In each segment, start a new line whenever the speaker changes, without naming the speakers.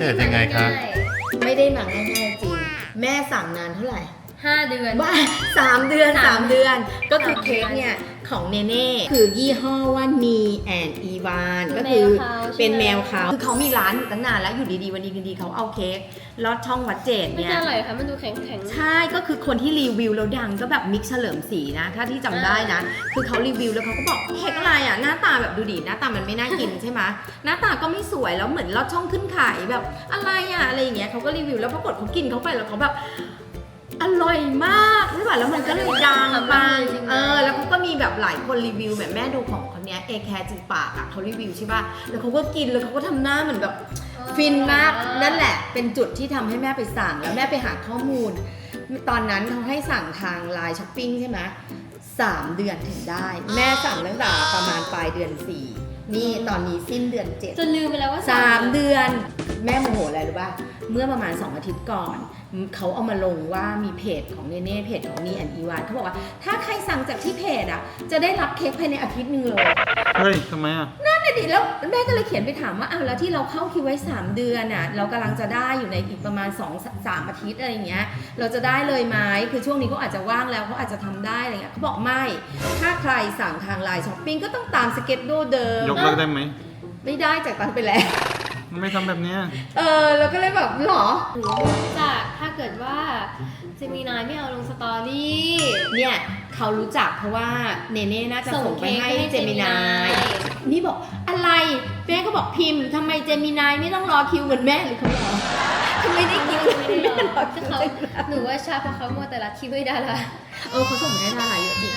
กิดยังไงครับ
ไม่ได้หนังง่ายๆจริงแม่สั่งนานเท่าไหร่
5 เดือน
ว่า3 เดือน 3 เดือน ก็คือเค้กเนี่ยของเนเน่คือยี่ห้อว่านีแอนอีวานก็คือเป็นแมวเขาคือเขามีร้านอยู่ตั้งนานแล้วอยู่ดีๆวันดีๆเขาเอาเค้กลอดช่องวัดเจด
ไม่
เนี่ย
น่าอร่อยค่ะมันดูแข็งๆ
ใช่ก็คือคนที่รีวิวแล้วดังก็แบบมิกเฉลิมศรีนะถ้าที่จำได้นะ คือเขารีวิวแล้วเขาก็บอกเค้กอะไรอ่ะหน้าตาแบบดูดิหน้าตามันไม่น่ากินใช่ไหมหน้าตาก็ไม่สวยแล้วเหมือนลอดช่องขึ้นไข่แบบอะไรอ่ะอะไรอย่างเงี้ยเขาก็รีวิวแล้วปรากฏเขากินเข้าไปแล้วเขาแบบอร่อยมากใช่ป่ะแล้วมันก็เลยดังไปแล้วเขาก็มีแบบหลายคนรีวิวแบบแม่ดูของคนเนี้ยเอแคร์จิปากอ่ะเขารีวิวใช่ป่ะแล้วเขาก็กินแล้วเขาก็ทำหน้าเหมือนแบบฟินมากนั่นแหละเป็นจุดที่ทำให้แม่ไปสั่งแล้วแม่ไปหาข้อมูลตอนนั้นเขาให้สั่งทางไลน์ช้อปปิ้งใช่ไหม3 เดือนถึงได้แม่สั่งตั้งแต่ประมาณปลายเดือน 4นี่ตอนนี้สิ้นเดือน 7
จนลืมไปแล้วว่า
3 เดือนแม่โมโหอะไรรู้ป่ะเมื่อประมาณ2 อาทิตย์ก่อนเขาเอามาลงว่ามีเพจของเนเน่เพจของนีแอนอีวานเขาบอกว่าถ้าใครสั่งจากที่เพจอ่ะจะได้รับเค้กภายในอาทิตย์นึงเลย
เฮ้ยทำไมอ่ะ
นั่นน่ะดิแล้วแม่ก็เลยเขียนไปถามว่าอ้าวแล้วที่เราเข้าคิวไว้3 เดือนอ่ะเรากำลังจะได้อยู่ในอีกประมาณ2-3 อาทิตย์อะไรอย่างเงี้ยเราจะได้เลยไหมคือช่วงนี้เขาอาจจะว่างแล้วเขาอาจจะทำได้อะไรเงี้ยเขาบอกไม่ถ้าใครสั่งทางไลน์ช้อปปิ้งก็ต้องตามสเก็ตดูเดิม
ยกเลิกได้ไหม
ไม่ได้จากตันไปแล้ว
ไม่ทำแบบเนี้ย
เราก็เลยแบบหรอ
หรือว่าจากถ้าเกิดว่าเจมินายไม่เอาลงสตอรี่
เนี่ยเขารู้จักเพราะว่าเนเน่น่าจะส่งไปให้เจมินาย นี่บอกอะไรแม่ก็บอกพิมพ์ทำไมเจมินายไม่ต้องรอคิวเหมือนแม่หรือเขารอทำไมได้คิว
ไม่ได้หรอกคือเขาหนูว่าชาเพราะเขามัวแต่รัดคิวให้ดารา
เขาส่งให้ดาราเยอะจริง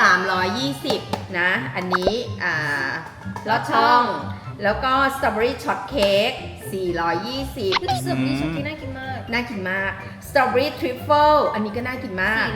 320นะอันนี้ลอดช่องแล้วก็สตรอเบอรี่ช็อตเค้ก420
คือเสิร์ฟนี้ชุดที่น่ากินมาก
น่ากินมากสตรอเบอรี่ทริฟเฟิลอันนี้ก็น่ากินมาก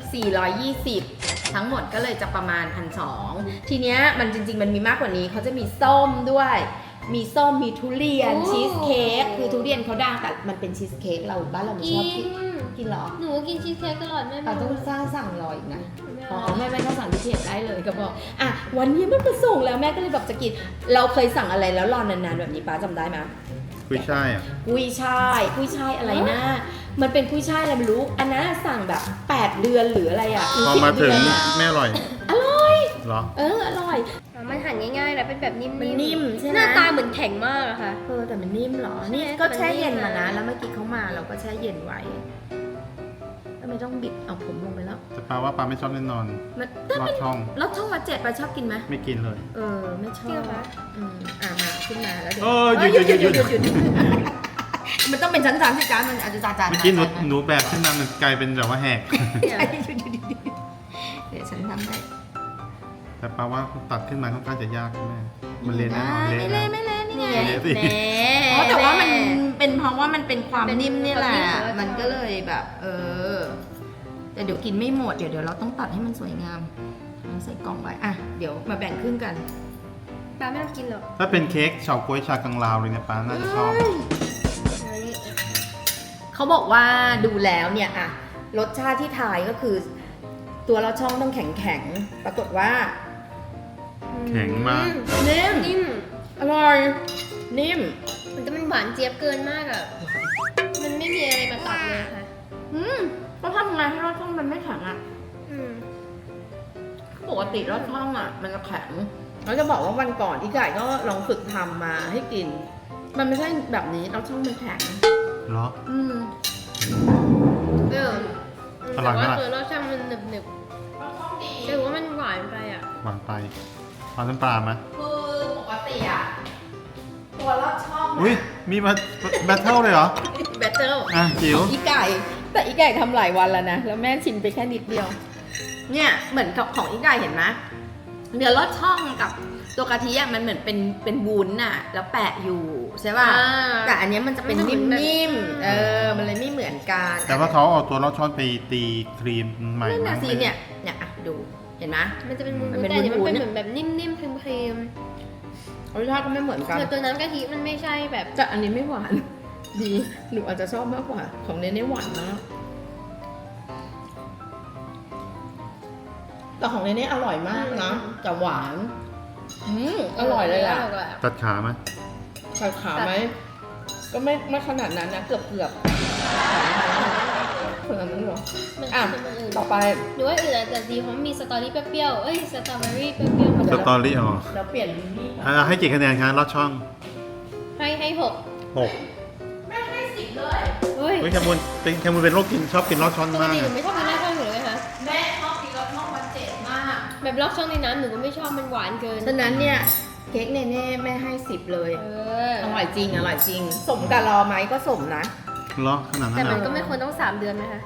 420ทั้งหมดก็เลยจะประมาณ 1,200 ทีเนี้ยมันจริงๆมันมีมากกว่านี้เขาจะมีส้มด้วยมีส้มมีทุเรียนชีสเค้กคือทุเรียนเขาดังแต่มันเป็นชีสเค้กเราบ้านเราไม่ชอบกินหรอ
หนูกินชีสเค้กตลอดแม่
ต้องสั่งรออีกนะแม่ต้องสั่งที่เพจได้เลยก็บอกวันนี้มันมาส่งแล้วแม่ก็เลยแบบจะกินเราเคยสั่งอะไรแล้วรอนานๆแบบนี้ป้าจำได้ไหม
กุ้ยช่ายอ่ะ
กุ้ยช่ายอะไรนะมันเป็นกุ้ยช่ายอะไรไม่รู้อันนั้นสั่งแบบ8 เดือนหรืออะไรอ่ะ
พอมาถึง
10 เดือนอะ
แม่อร่อย
อร่อย
เหรอ
อร่อย
มันหั่นง่ายๆแล้วเป็นแบบนิ่มๆ
มันนิ่มใช่ไหม
หน้าตาเหมือนแข็งมากอะค่ะ
แต่มันนิ่มเหรอ นี่
ใช่
ก็แช่เย็น
มันนิ่
มาม นะ
นะ
แล้วเมื่อกี้เขามาเราก็แช่เย็นไว้ทำไมต้องบิดเอาผมลงไปแล้ว
แต่ปาว่าปาไม่ชอบแน่นอน
มัน
ลอดช่อง
แล้วช่องวัดเจ็ดปาชอบกินไหม
ไม่กินเลย
ไม่ชอบ
จริงเหรอคะ
มาขึ้นมาแล้วเดี๋ยว
หยุด
มันต้องเป็นชั้นๆสิจ้ามันอาจจะจาน
เมื่อกี้หนูแบบขึ้นมามันกลายเป็นแบบว่าแหก
ใช่เดี๋ยวฉันทำได้
แต่ปาว่าตัดขึ้นมาค่อนข้างจะยากแม่มันเละแน่นอน
ไม่
เละ
เละนี่ไง
เละสิ
แต่ว่ามันเป็นเพราะว่ามันเป็นความนิ่มนี่แหละ มันก็เลยแบบแต่เดี๋ยวกินไม่หมดเดี๋ยวเราต้องตัดให้มันสวยงามใส่กล่องไว้เดี๋ยวมาแบ่งครึ่งกัน
ป้าไม่ต้องกินหรอก
ถ้าเป็นเค้กเฉาก๊วยชากังลาวเลยเนี่ยปาน่าจะชอบ
เขาบอกว่าดูแล้วเนี่ยรสชาติที่ทายก็คือ ตัวเราช่องต้องแข็งๆปรากฏว่า
แข็งมาก
นิ่มอร่อยนิ่ม
มันจะมันหวานเจี๊ยบเกินมากอะมันไม่มีอะไรมาตัดเลยค่ะ
ก็ทำไงให้รสช่องมันไม่แข็งปกติรสช่องมันจะแข็งเราจะบอกว่าวันก่อนอีไก่ก็ลองฝึกทำมาให้กิน มันไม่ใช่แบบนี้รสช่องมันแข็ง
เหรอ
แต่ว่าตัวรสชาติมันหนึบๆแต่ว่ามันหวานไปอะ
หวานไปเอาน้ำปลาไหม
คือปกติตัวรสช่อง
อุ้ยมีมาแบทเทิลเลยเหรอ
แบตเตอร์
จิ๋ว
อีไก่แต่อีไก่ทำหลายวันแล้วนะแล้วแม่ชิมไปแค่นิดเดียวเนี่ยเหมือนกับของอีไก่เห็นไหมเนื้อรสช่องกับตัวกะทิมันเหมือนเป็นวุ้นแล้วแปะอยู่ใช่ป่ะแต่อันนี้มันจะเป็นนิ่มๆมันเลยไม่เหมือนกัน
แต่ว่าเขาเอาตัวลอดช่องไปตีครีมใหม่
นั่น
มา
น่ะสิเนี่ยดูเห็นไหม
มันจะเป็นวุ้น
มันเป็น
แต่เนี่ยมัน
วุ้
เป็น
นๆ
เหมือนแบบนิ่มๆครีม
รสชาติก็ไม่เหมือน
ๆ
กัน
คือตัวน้ำกะทิมันไม่ใช่แบบ
แต่อันนี้ไม่หวานดีหนูอาจจะชอบมากกว่าของเนเน่หวานมากแต่ของเนเน่อร่อยมากนะแต่หวานอร่อยเลยอ่ะ
ตัดขาไหม
ใส่ขาไหมก็ไม่ขนาดนั้นนะเกือบขนาดนั้นเหรอ
มัน
อ่ะ
เป็นมันอื่น
ต่อไป
หรือว่าอื่นอาจจะดีเพราะมีสตอรี่เปรี้ยวๆเอ้ยสตรอเบอรี่เปรี้ยวๆ
สตอรี่อ๋อ
เราเปลี่ยนนี่
ให้กี่คะแนนคะลอดช่อง
ให้หก
6
แม่ให้10เลย
เฮ้ย
เฮ้ยแคมูลเป็นโรคชอบกินลอดช่อง
ปก
มาก
ติหนูไม่ชอบกินลอดช่องอยู่เลยค่ะ
แม่ชอบกินรสช่องมันเจ็ดมาก
แบบลอดช่องในน้ำหนูก็ไม่ชอบมันหวานเกิน
ฉะนั้นเนี่ยเค้กเนเน่แม่ให้10เลย
เออ
อร่อยจริงอร่อยจริง สมกับรอไหมก็สมนะ
เหรอขนาดนั้
แต่
นเหร
มัน
อ
ก็ไม่ควรต้อง3 เดือนนะคะ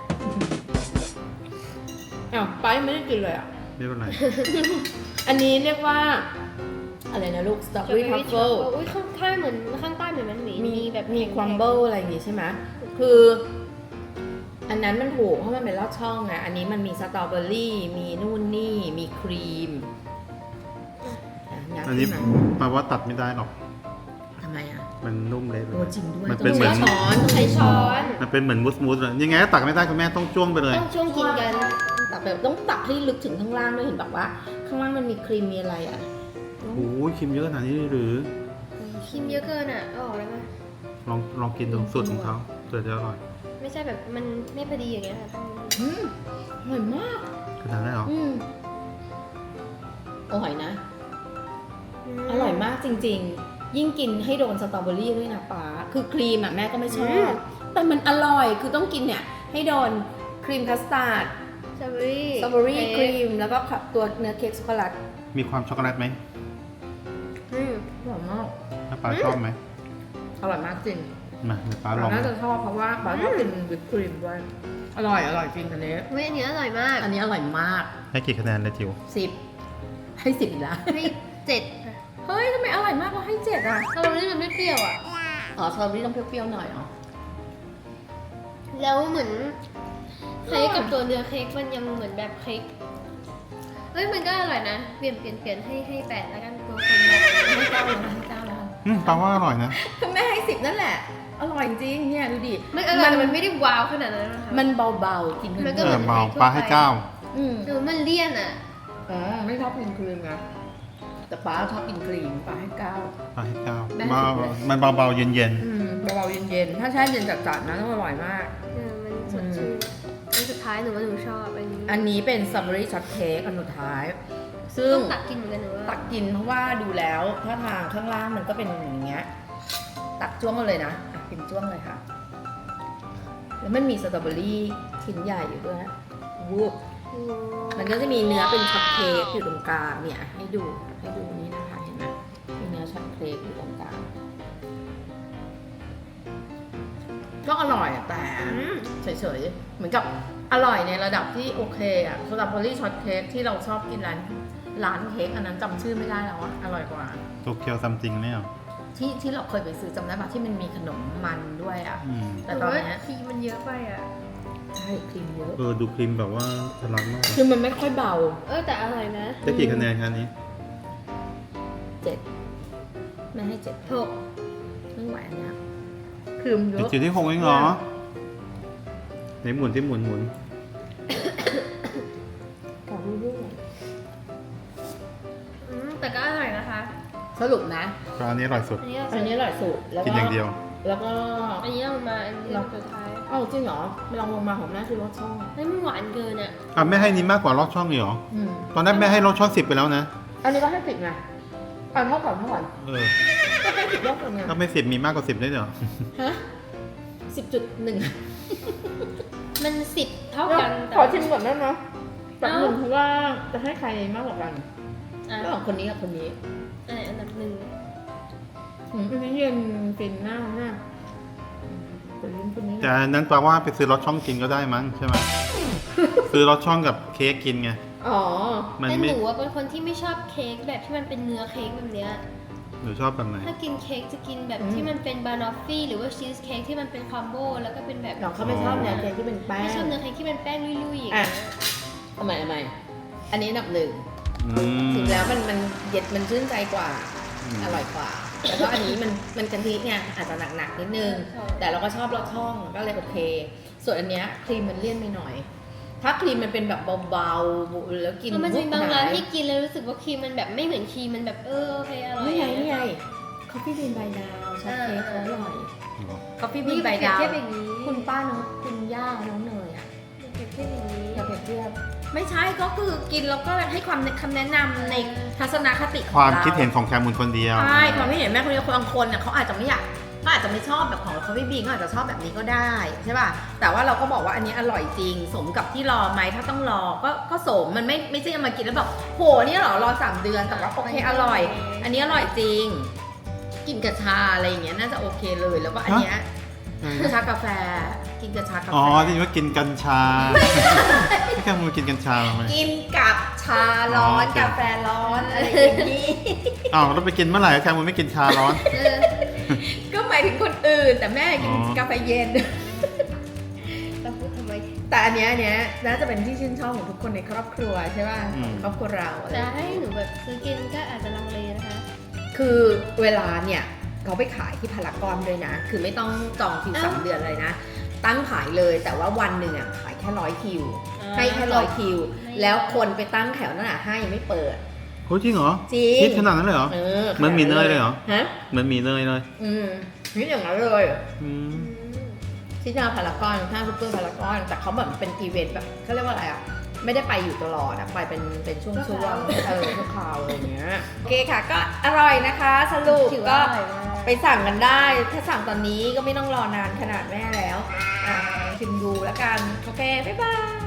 อ้าวไปไม่ได้กินเลยอ่ะ
ไม่เป็นไร
อันนี้เรียกว่า อะไรนะลูกสตรอเบอรี่ทัฟเฟิล
อุ้ยข้างๆเหมือนข้างใต้เหมือนมันมีแบบ
มีครัมเบิลอะไรอย่างงี้ใช่ไหมคือ อันนั้นมันถูกเพราะมันเป็นลอดช่องไงอันนี้มันมีสตรอเบอรี่ มีนู่นนี่ มีครีมะ
อันนี้
ขึ้มา
แปลว่าตัดไม่ได้หรอก
ทำไมอ่ะ
มันนุ่มเละเลย
โอ้จริงด้วย
มัน
ต้
เป็น
อง
เหมือน
ใช้ช้อนต้อง
ใช้
ใช้
ช้
ช้
อ
อน
น
มันเป็นเหมือนมูสเลยยังไงก็ตักไม่ได้คุณแม่ต้องจ้วงไปเลย
ต้องช่วงกินกัน
ตักแบบต้องตักให้ลึกถึงข้างล่างด้วยเห็นแบบว่า ข้างล่างมันมีครีมมีอะไรอ่ะ
โอ้ยครีมเยอะขนาดนี้เลยหรือ
ครีมเยอะเกินอ่ะเอาออกได้ไหม
ลองกินดูสูตรของเขาเผื่อจะอร่อย
ไม่ใช่แบบมันไม่พอดีอย่างเงี้ยค่ะ
อืมอร่อยมาก
ขนาดนั้นเหรอ
อืมอร่อยนะ อร่อยมากจริงๆ ยิ่งกินให้โดนสตรอเบอรี่ด้วยนะป๊าคือครีมอ่ะแม่ก็ไม่ชอบ แต่มันอร่อย คือต้องกินเนี่ยให้โดนครีมคัสตาร์ด
สตรอเบอรี่
สตรอเบอรี่ครีม แล้วก็ตัวเนื้อเค้กช็อกโกแลต
มีความช็อกโกแลตไหม
อร่อยมาก
ถ้าปลาชอบไหม
อร่อยมากจริง
มาเดี๋ยวปลาล
เรา
อง
น่าจะชอบเพราะว่าป๊าชอบกินวิปครีมด้วย อร่อยจริงอันนี้
เว้ยอันนี้อร่อยมาก
อันนี้อร่อยมาก
ให้กี่คะแนนเลยจิ๋ว
10 ให้10อีกแล้ว
ให้7ค่ะ
เฮ้ยทำไมอร่อยมากเพราะให้7อ่ะ
สตรอเบอรี่มันไม่เปรี้ยวอ่ะ
อ๋อสตรอเบอรี่ต้องเปรี้ยวๆหน่อยเหรอ
แล้วเหมือนเค้กกับตัวเนื้อเค้กมันยังเหมือนแบบเค้กเฮ้ยมันก็อร่อยนะ เปลี่ยนให้8แล้วกันตัวคนแบบ
ให้เจ้าเลยนะให้เจ้าแล้ว
ปลาว่าอร่อยนะ
แม่ให้10นั่นแหละ อร่อยจริงเนี่ยดูดิ
ไม่อร่อยแต่มันไม่ได้ว้าวขนาดนั้นนะคะ
มันเบาๆกินเพลิ
มันก็
เอ
ห
อ
มืน
เบา
ทั่วไป
ปลาให้เก้า
อืม
หรือมันเลี่ยนอ่ะ
อ๋อไม่ชอบกินครีมไงแต่ป้าชอบกินครีมป้าให้9
ปลาให้เก้า
แม่
เบา
สิบเลย
มันเบาๆเย็น
อืมเบาๆเย็นๆถ้าแช่เย็นจัดๆนะต้องอร่อยมาก
มันสดชื่นอันสุดท้ายหนูว่าหนูชอบอันนี้
อันนี้เป็นสตรอเบอรี่ช็อตเค้กอันสุดท้าย ซึ่ง
ต้องตักกินเหมือนกันหนูว่า
ตักกินเพราะว่าดูแล้วถ้าทางข้างล่างมันก็เป็นอย่างเงี้ย ตักจ้วงมาเลยนะอ่ะกินจ้วงเลยค่ะ แล้วมันมีสตรอเบอรี่ชิ้นใหญ่อยู่ด้วยวูบ
โอ้
มันก็จะมีเนื้อเป็นช็อตเค้กอยู่ตรงกลางเนี่ยให้ดูนี่นะคะเห็นไหมมีเนื้อช็อตเค้กอยู่ตรงกลางก็อร่อยอะแต่
อืม
เฉยๆเหมือนกับอร่อยในระดับที่โอเคอะสตรอเบอรี่ช็อตเค้กที่เราชอบกินร้านเค้กอันนั้นจำชื่อไม่ได้แล้วอะอร่อยกว่า
ๆโตเกียวซัมติงเนี่ยเหรอ
ที่เราเคยไปซื้อจำได้ปะที่มันมีขนมมันด้วยอะ
อืม
แต่ตอนเนี้ย
ครีมมันเยอะไปอ่ะ
ใช่ครีมเยอะ
ดูครีมแบบว่าทะลักมาก
คือมันไม่ค่อยเบา
แต่อร่อยนะ
ได้กี่คะแนนคะอันนี้
7ไม่ให้7
6
ไม่ไหวอันเนี้ยครีมเยอะ
จิ๋วที่6เองเหรอไหนหมุนที่หมุน
ขอดูด้วย
แต่ก็อร่อยนะคะ
สรุปนะ
ปลาอันนี้อร่อยสุด
อันนี้
อันนี้อร่อยสุดแล้ว
กิน
ก็
อย่างเดียว
แล้วก็
อันนี้ลงมาอันนี้สุดท้าย
เอ้าจริงเหรอไม่ลองลงมาของแม่คือรสช่อง
เฮ้ยมันหวานเกินอ่ะ
อ่ะแม่ให้นี้มากกว่าลอดช่องเลยเหรอ
อืม
ตอนนั้นแม่ให้ลอดช่อง10ไปแล้วนะ
อันนี้ก็ให้10ไงเอาเท่ากัน
เออ
ก็ให้10รอบกันไง
ถ้าไม่10มีมากกว่า10ได้เหรอ
ฮะ10.1
มัน10 เท่ากันแต่
ขอชิมก่อนได้ไหมแบบหนึ่งเพราะว่าจะให้ใครมากกว่ากัน
อ่ะ
ระหว่างคนนี้กับคนนี้
อันดับ1
อันนี้เย็นฟินหน้าเป็นลิ้นคนนี้
แต่อันนั้นแปลว่าไปซื้อลอดช่องกินก็ได้มั้งใช่ไหม ซื้อลอดช่องกับเค้กกินไง
อ๋อ
มัน
แต่
ไม่
หนูว่าเป็นคนที่ไม่ชอบเค้กแบบที่มันเป็นเนื้อเค้กแบบเนี้ย
หนูชอบแบบไหน
ถ้ากินเค้กจะกินแบบที่มันเป็นบานอฟฟี่หรือว่าชีสเค้กที่มันเป็นคอมโบแล้วก็เป็นแบบ
น้องเขาไม่ชอบแนวเค้กที่เป็นแป้ง
ไม่ชอบเนื้อเค้กที่เป็นแป้งลุยๆอย่าง
อ่ะ
เงี้ย
ทำไมอันนี้อันดับ 1
อืม
ถึงแล้วมันเย็ดมันชื่นใจกว่า
อืม
อร่อยกว่า แต่ก็อันนี้มันกะทิไงอาจจะหนักๆนิดนึง แต่เราก็ชอบรสช่องก็เลยโอเค ส่วนอันเนี้ยครีมมันเลี่ยนไปหน่อย ถ้าครีมมันเป็นแบบเบาๆแล้วกิน
มันจะมีบางร้านที่
ห
กินแล้วรู้สึกว่าครีมมันแบบไม่เหมือนครีมมันแบบโอเคอร่อย
นี่ไง Coffee Bean by Dao ช็อตเค้กเขาอร่อย
เหรอ
Coffee
นี่
Bean
เปรี
by
ยบ
Dao
เทียบอย่างนี้
คุณป้าน้องคุณย่าน้องเนยอ่ะ
เปรียบเทียบอย่างนี้
อย่าเปรียบเทียบไม่ใช่ก็คือกินแล้วก็ให้คำแนะนำในทัศนคติของ
ความ
เรา
คิดเห็นของแคมูลคนเดียว
ใช่ความคิดเห็นแม่คนเดียวบางคนเนี่ยเขาอาจจะไม่อยากเขาอาจจะไม่ชอบแบบของ Coffee Bean เขาอาจจะชอบแบบนี้ก็ได้ใช่ป่ะแต่ว่าเราก็บอกว่าอันนี้อร่อยจริงสมกับที่รอไหมถ้าต้องรอก็สมมันไม่ใช่เอามากินแล้วแบบโหนี่เหรอรอ3 เดือนแต่ว่าโอเคอร่อย อันนี้อร่อยจริง กินกับชาอะไรอย่างเงี้ยน่าจะโอเคเลยแล้วก็อันเนี้ยชากาแฟกินกับชากาแฟ
อ๋อที่ว่ากินกัญชาพี่แคมูลกินกัญชาไหม
กินกับชาร้อน
อ๋อโอเค
กาแฟร้อนอะไรอย่างนี้
อ้าวเราไปกินเมื่อไหร่แคมูลไม่กินชาร้อน
ก็หมายถึงคนอื่นแต่แม่กิน
อ๋อ
กาแฟเย็น
เราพูดทำไม
แต่อันเนี้ยน่าจะเป็นที่ชื่นชอบของทุกคนในครอบครัวใช่ป่ะครอบครัวเราอะไร
จะให้หนูแบบซื้อกินก็อาจจะลังเลนะคะ
คือเวลาเนี่ยเขาไปขายที่พารากอนด้วยนะ คือไม่ต้องจองคิว
อ้าว
3 เดือนเลยนะ ตั้งขายเลยแต่ว่าวันหนึ่งอ่ะขายแค่100 คิว ให้แค่100 คิว แล้วคนไปตั้งแถวนั่นอ่ะห้างยังไม่เปิด
โอ้ยจริงเหรอ
จริง
คิดขนาดนั้นเลยเหรอ เหมือนหมี่เนยเลยเหรอ
ฮะ
เหมือนหมีเนยเลย
นี่อย่างนั้นเลย
อืม
ที่หน้าพารากอนห้างซุปเปอร์พารากอนแต่เขาแบบเป็นอีเวนต์แบบเขาเรียกว่าอะไรอ่ะไม่ได้ไปอยู่ตลอดอ่ะไปเป็นช่วงๆชั่วคราวอะไรอย่างเงี้ยโอเคค่ะก็อร่อยนะคะ สรุป
ถือ
ก็
ว่าอร่อยมาก
ไปสั่งกันได้ถ้าสั่งตอนนี้ก็ไม่ต้องรอนานขนาดแม่แล้วชิมดูแล้วกันโอเคบ๊ายบาย